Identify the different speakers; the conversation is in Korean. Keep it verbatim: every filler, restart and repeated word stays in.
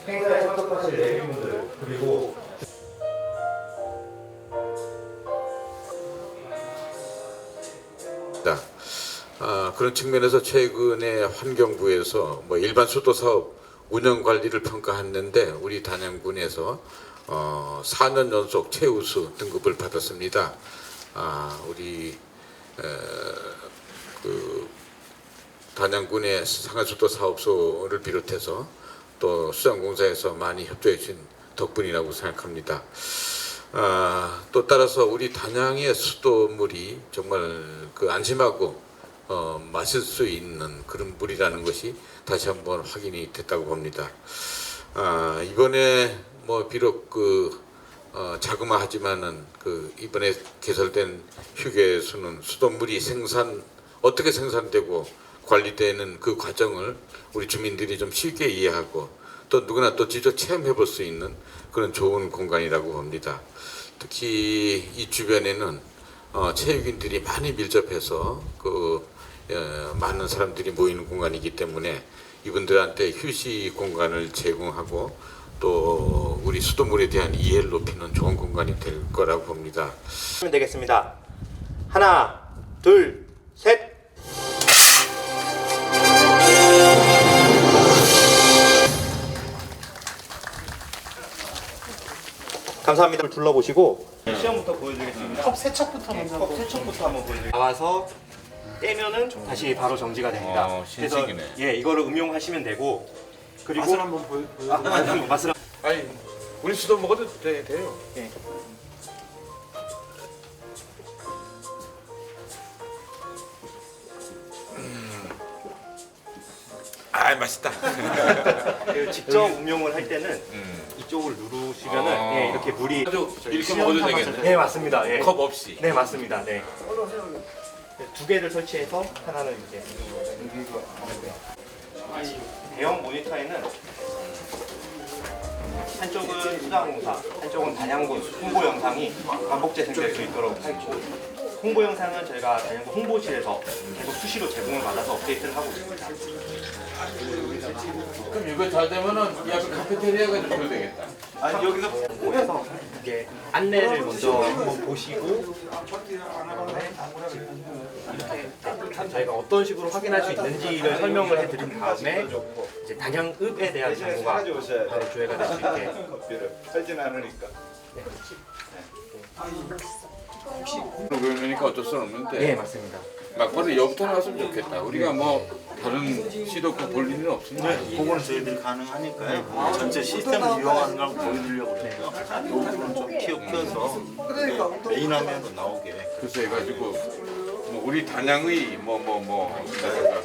Speaker 1: 행사에 참석하실 내빈분들 그리고
Speaker 2: 아, 그런 측면에서 최근에 환경부에서 뭐 일반 수도 사업 운영 관리를 평가했는데 우리 단양군에서 어, 사 년 연속 최우수 등급을 받았습니다. 아, 우리 에, 그 단양군의 상하수도 사업소를 비롯해서 또 수장공사에서 많이 협조해 주신 덕분이라고 생각합니다. 아, 또 따라서 우리 단양의 수도물이 정말 그 안심하고 어, 마실 수 있는 그런 물이라는 것이 다시 한번 확인이 됐다고 봅니다. 아, 이번에 뭐 비록 그 어, 자그마하지만은 그 이번에 개설된 휴게소는 수돗물이 생산 어떻게 생산되고 관리되는 그 과정을 우리 주민들이 좀 쉽게 이해하고 또 누구나 또 직접 체험해 볼 수 있는 그런 좋은 공간이라고 봅니다. 특히 이 주변에는 어, 체육인들이 많이 밀접해서 그 어, 많은 사람들이 모이는 공간이기 때문에 이분들한테 휴식 공간을 제공하고 또 우리 수돗물에 대한 이해를 높이는 좋은 공간이 될 거라고 봅니다.
Speaker 1: 하면 되겠습니다. 하나, 둘, 셋. 감사합니다. 둘러보시고 시험부터 보여드리겠습니다.
Speaker 3: 컵 세척부터
Speaker 1: 네,
Speaker 3: 먼저
Speaker 1: 컵 세척부터 한번 보여드릴게요. 나와서 떼면은 다시 바로 정지가 됩니다.
Speaker 2: 어, 신식이네.
Speaker 1: 그래서 예, 이거를 음용하시면 되고 그리고
Speaker 3: 맛을 한번 보여, 보여.
Speaker 1: 아, 아, 맛을
Speaker 2: 아니 우리 수도 먹어도 돼, 돼요.
Speaker 1: 예.
Speaker 2: 아 맛있다.
Speaker 1: 그 직접 음용을 할 때는
Speaker 2: 음.
Speaker 1: 이쪽을 누르시면은
Speaker 2: 어.
Speaker 1: 예, 이렇게 물이
Speaker 2: 아주 이렇게 먹어도 되겠네.
Speaker 1: 네 맞습니다. 예.
Speaker 2: 컵 없이.
Speaker 1: 네 맞습니다. 네. 두 개를 설치해서 하나는 이제 대형 모니터에는 한쪽은 수자공사, 한쪽은 단양군 홍보 영상이 반복 재생될 수 있도록 했고 홍보 영상은 저희가 단양군 홍보실에서 계속 수시로 제공을 받아서 업데이트를 하고 있습니다.
Speaker 2: 그럼 이거 잘 되면은 이 앞에 카페테리아가 좀 줘야 되겠다.
Speaker 1: 아니 여기서 홍보해서 이게 안내를 먼저 한번 보시고 이렇게 저희가 어떤 식으로 확인할 수 있는지를 설명을 해드린 다음에 이제 단양읍에 대한 정보가 바로 조회가 될 수 있게
Speaker 4: 커피를 팔지는 않으니까.
Speaker 2: 그러니까 어쩔 수는 없는데
Speaker 1: 네 맞습니다.
Speaker 2: 막바로 여부터 나왔으면 좋겠다. 우리가 뭐 다른 시도권 볼 일은 없으니까.
Speaker 4: 그거는 저희들이 가능하니까요. 전체 시스템을 이용하는 걸 보여드리려고 그래요. 이 부분은 좀 키워서 메인 화면으로 나오게.
Speaker 2: 그래서 해가지고 뭐 우리 단양의 뭐 뭐 뭐